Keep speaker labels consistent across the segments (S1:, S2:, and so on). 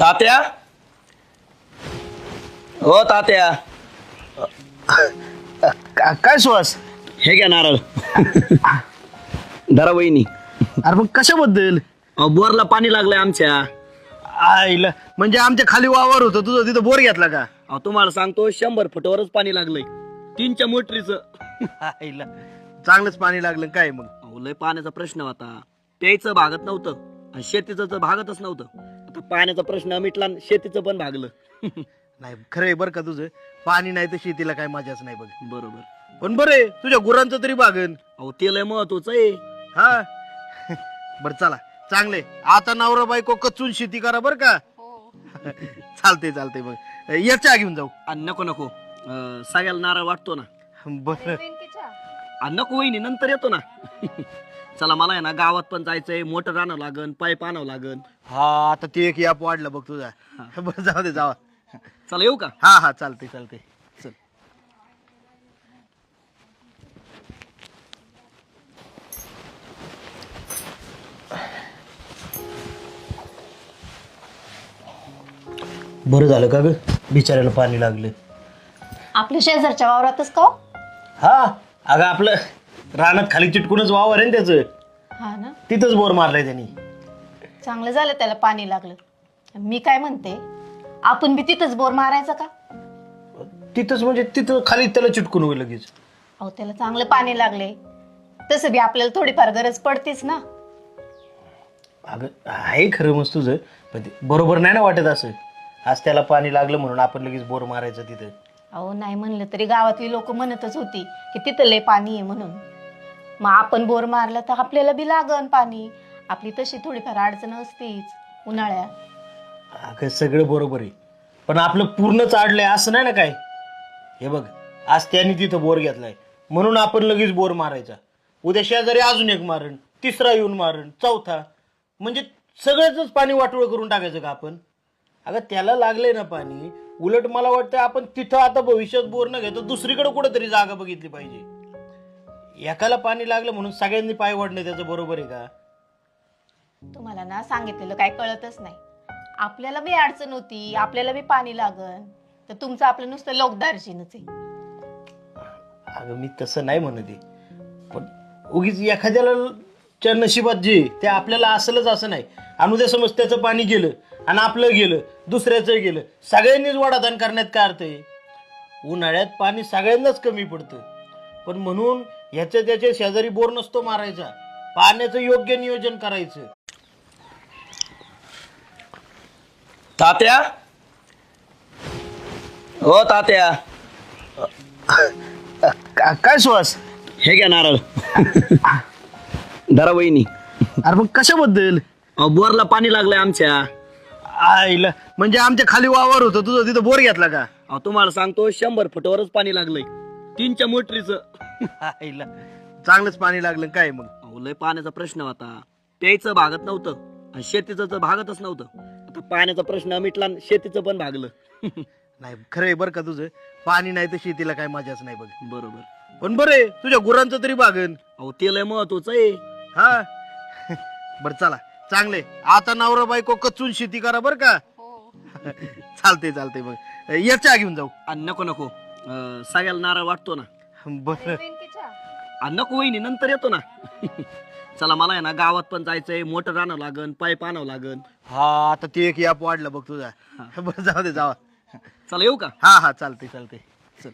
S1: तात्या हो तात्या
S2: काय सुहास?
S1: हे घ्या नारळ धरा वहिनी.
S2: अरे मग कशाबद्दल?
S1: बोरला पाणी लागलंय आमच्या.
S2: आईला म्हणजे आमच्या खाली वावर होतं तुझं, तिथं बोर घेतला का?
S1: तुम्हाला सांगतो 100 फुटावरच पाणी लागलंय 3च्या मोटरीचं.
S2: आईला चांगलंच पाणी लागलं काय मग?
S1: लय पाण्याचा प्रश्न होता, प्यायचं भागत नव्हतं आणि शेतीचं तर भागतच नव्हतं. आता पाण्याचा प्रश्न मिटला आणि शेतीचं पण भागलं.
S2: नाही खरं आहे बरं का तुझं, पाणी नाही तर शेतीला काय मजाच नाही बघ.
S1: बरोबर.
S2: पण बरं आहे तुझ्या गुरांचं तरी बागन.
S1: ते लय महत्वाचं आहे.
S2: हा बरं चला चांगले. आता नवरा बायको कचून शेती करा बरं का? चालते चालते. मग याच्या घेऊन जाऊ.
S1: नको नको, सगळ्याला नारळ वाटतो ना.
S2: बरं
S1: नको वहिनी, नंतर येतो ना. चला मला आहे ना गावात पण जायचंय, मोटर आणावं लागन, पाईप आणावं लागन.
S2: हा आता ते एक याप वाढलं बघ तुझा. बरं जाऊ दे जावा.
S1: चला येऊ का?
S2: हा हा चालते चालते. चल बरं झालं का ग, बिचाऱ्याला पाणी लागलं.
S3: आपल्या शेजारच्या वावरातच का हो?
S2: हा अगं आपलं रानात खाली चिटकूनच वावर आहे ना त्याचं,
S3: हा ना,
S2: तिथंच बोर मारलाय त्यांनी.
S3: चांगलं झालं त्याला पाणी लागलं. मी काय म्हणते, आपण बी तिथंच बोर मारायचा का?
S2: तिथंच म्हणजे तिथं खाली त्याला चिटकून होईल लगेच.
S3: अहो त्याला चांगलं पाणी लागले, तसं बी आपल्याला थोडीफार गरज पडतीच ना.
S2: अगं आहे खरं मस्त तुझं, पण ते बरोबर नाही ना वाटत असं. आज त्याला पाणी लागलं म्हणून आपण लगेच बोर मारायचं तिथं.
S3: अहो नाही म्हणलं तरी गावातली लोक म्हणतच होती की तिथं लय पाणी आहे म्हणून. मग आपण बोर मारलं तर आपल्याला बी लागन पाणी. आपली तशी थोडीफार अडचण असतीच उन्हाळ्यात.
S2: अगं सगळं बरोबर आहे, पण आपलं पूर्ण चाडलंय असं नाही ना काय. हे बघ आज त्याने तिथं बोर घेतलाय म्हणून आपण लगेच बोर मारायचा. उद्या शेजारी अजून एक मारण, तिसरा येऊन मारण, चौथा, म्हणजे सगळ्याच पाणी वाटोळ करून टाकायचं का आपण? अगं त्याला लागलंय ना पाणी, उलट मला वाटतं आपण तिथं आता भविष्यात बोर न घेता दुसरीकडे कुठेतरी जागा बघितली पाहिजे. एकाला पाणी लागलं म्हणून सगळ्यांनी पाय वाढणं त्याचं बरोबर आहे का?
S3: तुम्हाला ना सांगितलेलं काय कळतच नाही. आपल्याला बी अडचण होती, आपल्याला बी पाणी लागन, तर तुमचं आपलं नुसतं लोकदार्जीनच आहे.
S2: अगं मी तसं नाही म्हणत आहे, पण उगीच एखाद्याच्या नशिबात जे ते आपल्याला असलंच असं नाही. आणि उद्या समज त्याचं पाणी गेलं आणि आपलं गेलं, दुसऱ्याचं गेलं, सगळ्यांनीच वाडादान करण्यात काय अर्थ आहे? उन्हाळ्यात पाणी सगळ्यांनाच कमी पडतं, पण म्हणून ह्याच्या त्याच्या शेजारी बोर नसतो मारायचा. पाण्याचं योग्य नियोजन करायचं.
S1: तात्या हो तात्या
S2: काय सुहास?
S1: हे घ्या नारळ धरा वहिनी.
S2: अरे मग कशाबद्दल?
S1: बोरला पाणी लागलंय आमच्या.
S2: आईला म्हणजे आमच्या खाली वावर होतं तुझं, तिथं बोर घेतला का?
S1: तुम्हाला सांगतो 100 फुटावरच पाणी लागलंय 3च्या मोटरीचं.
S2: आईला चांगलंच पाणी लागलं काय मग?
S1: लय पाण्याचा प्रश्न होता, प्यायचं भागत नव्हतं आणि शेतीचं तर भागतच नव्हतं. आता पाण्याचा प्रश्न मिटला आणि शेतीचं पण भागलं.
S2: नाही खरं आहे बरं का तुझं, पाणी नाही तर शेतीला काय मजाच नाही बघ.
S1: बरोबर.
S2: पण बरं आहे तुझ्या गुरांचं तरी बागन.
S1: ते लय महत्वाचं आहे.
S2: हा बरं चला चांगले. आता नवरा बायको कचून शेती करा बरं का? चालते चालते. मग याच्या घेऊन जाऊ.
S1: नको नको, सगळ्याला नारळ वाटतो ना.
S2: बरं
S1: नको वहिनी, नंतर येतो ना. चला मला आहे ना गावात पण जायचंय, मोटर आणावं लागन, पाईप आणावं लागन.
S2: हा आता ते एक याप वाढलं बघ तुझा. बरं जाऊ दे जावा.
S1: चला येऊ का?
S2: हा हा चालते चालते. चल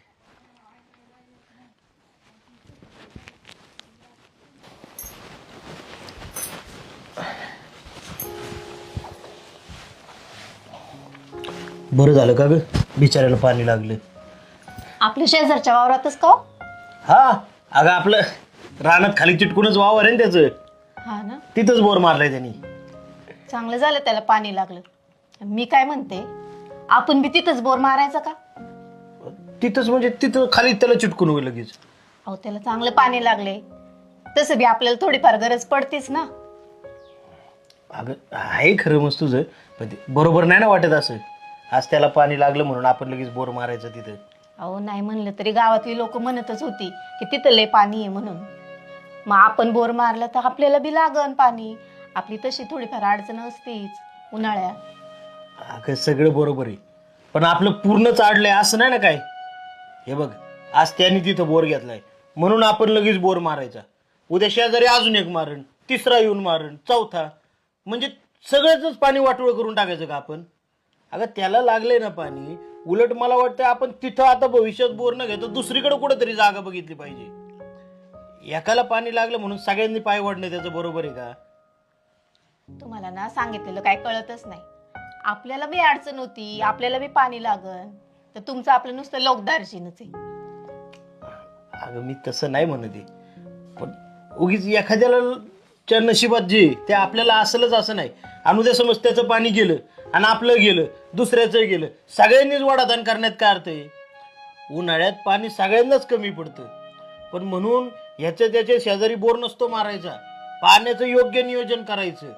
S2: बरं झालं का ग, बिचाऱ्याला पाणी लागलं.
S3: आपल्या शेजारच्या वावरातच का हो?
S2: हा अगं आपलं रानात खाली चिटकूनच वावर आहे ना त्याचं,
S3: हा ना,
S2: तिथंच बोर मारलाय त्यांनी.
S3: चांगलं झालं त्याला पाणी लागलं. मी काय म्हणते, आपण बी तिथंच बोर मारायचा का?
S2: तिथंच म्हणजे तिथं खाली त्याला चिटकून होईल लगेच.
S3: अहो त्याला चांगलं पाणी लागले, तसं बी आपल्याला थोडीफार गरज पडतीच ना.
S2: अगं आहे खरं मस्त तुझं, पण ते बरोबर नाही ना वाटत असं. आज त्याला पाणी लागलं म्हणून आपण लगेच बोर मारायचं तिथं.
S3: अहो नाही म्हणलं तरी गावातली लोक म्हणतच होती की तिथं लय पाणी आहे म्हणून. मग आपण बोर मारलं तर आपल्याला बी लागन पाणी. आपली तशी थोडीफार अडचण असतीच उन्हाळ्यात.
S2: अगं सगळं बरोबर आहे, पण आपलं पूर्ण चाडलंय असं नाही ना काय. हे बघ, आज त्याने तिथं बोर घेतलाय म्हणून आपण लगेच बोर मारायचा. उद्या शेजारी अजून एक मारण, तिसरा येऊन मारण, चौथा, म्हणजे सगळ्याच पाणी वाटोळ करून टाकायचं का आपण. अगं त्याला लागलंय ना पाणी, उलट मला वाटतं आपण तिथं आता भविष्यात बोर न घेता दुसरीकडे कुठेतरी जागा बघितली पाहिजे. एकाला पाणी लागलं म्हणून सगळ्यांनी पाय वाढणं त्याचं बरोबर आहे का.
S3: तुम्हाला ना सांगितलेलं काय कळतच नाही. आपल्याला बी अडचण होती, आपल्याला बी पाणी लागन, तर तुमचं आपलं नुसतं लोकदार्जीनच आहे.
S2: अगं मी तसं नाही म्हणत आहे, पण उगीच एखाद्याच्या नशिबात जे ते आपल्याला असलंच असं नाही. आणि उद्या समज त्याचं पाणी गेलं आणि आपलं गेलं, दुसऱ्याचं गेलं, सगळ्यांनीच वडादान करण्यात काय अर्थ आहे. उन्हाळ्यात पाणी सगळ्यांनाच कमी पडतं, पण म्हणून ह्याच्या त्याच्या शेजारी बोर नसतो मारायचा. पाण्याचं योग्य नियोजन करायचं.